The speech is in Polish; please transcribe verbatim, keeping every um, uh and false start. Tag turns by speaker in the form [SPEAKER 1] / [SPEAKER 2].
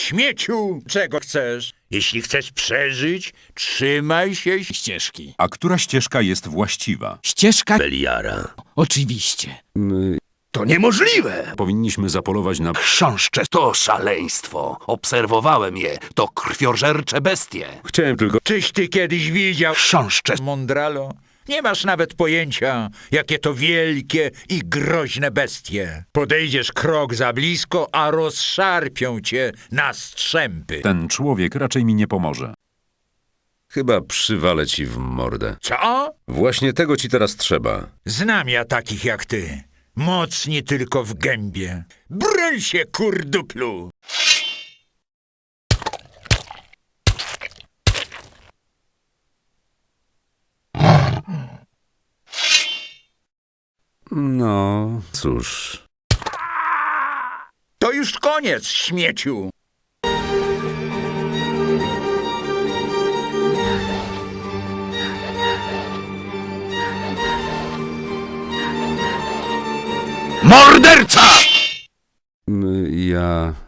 [SPEAKER 1] śmieciu! Czego chcesz? Jeśli chcesz przeżyć, trzymaj się ścieżki.
[SPEAKER 2] A która ścieżka jest właściwa?
[SPEAKER 3] Ścieżka?
[SPEAKER 1] Beliara.
[SPEAKER 3] Oczywiście.
[SPEAKER 4] To niemożliwe!
[SPEAKER 2] Powinniśmy zapolować na...
[SPEAKER 4] Chrząszcze to szaleństwo. Obserwowałem je. To krwiożercze bestie.
[SPEAKER 2] Chciałem tylko...
[SPEAKER 1] Czyś ty kiedyś widział
[SPEAKER 4] Chrząszcze.
[SPEAKER 1] Mondralo? Nie masz nawet pojęcia, jakie to wielkie i groźne bestie. Podejdziesz krok za blisko, a rozszarpią cię na strzępy.
[SPEAKER 2] Ten człowiek raczej mi nie pomoże.
[SPEAKER 5] Chyba przywalę ci w mordę.
[SPEAKER 1] Co?
[SPEAKER 5] Właśnie tego ci teraz trzeba.
[SPEAKER 1] Znam ja takich jak ty. Mocni tylko w gębie. Broń się, kurduplu!
[SPEAKER 5] No, cóż...
[SPEAKER 1] To już koniec, śmieciu!
[SPEAKER 4] Morderca!
[SPEAKER 5] m, Ja...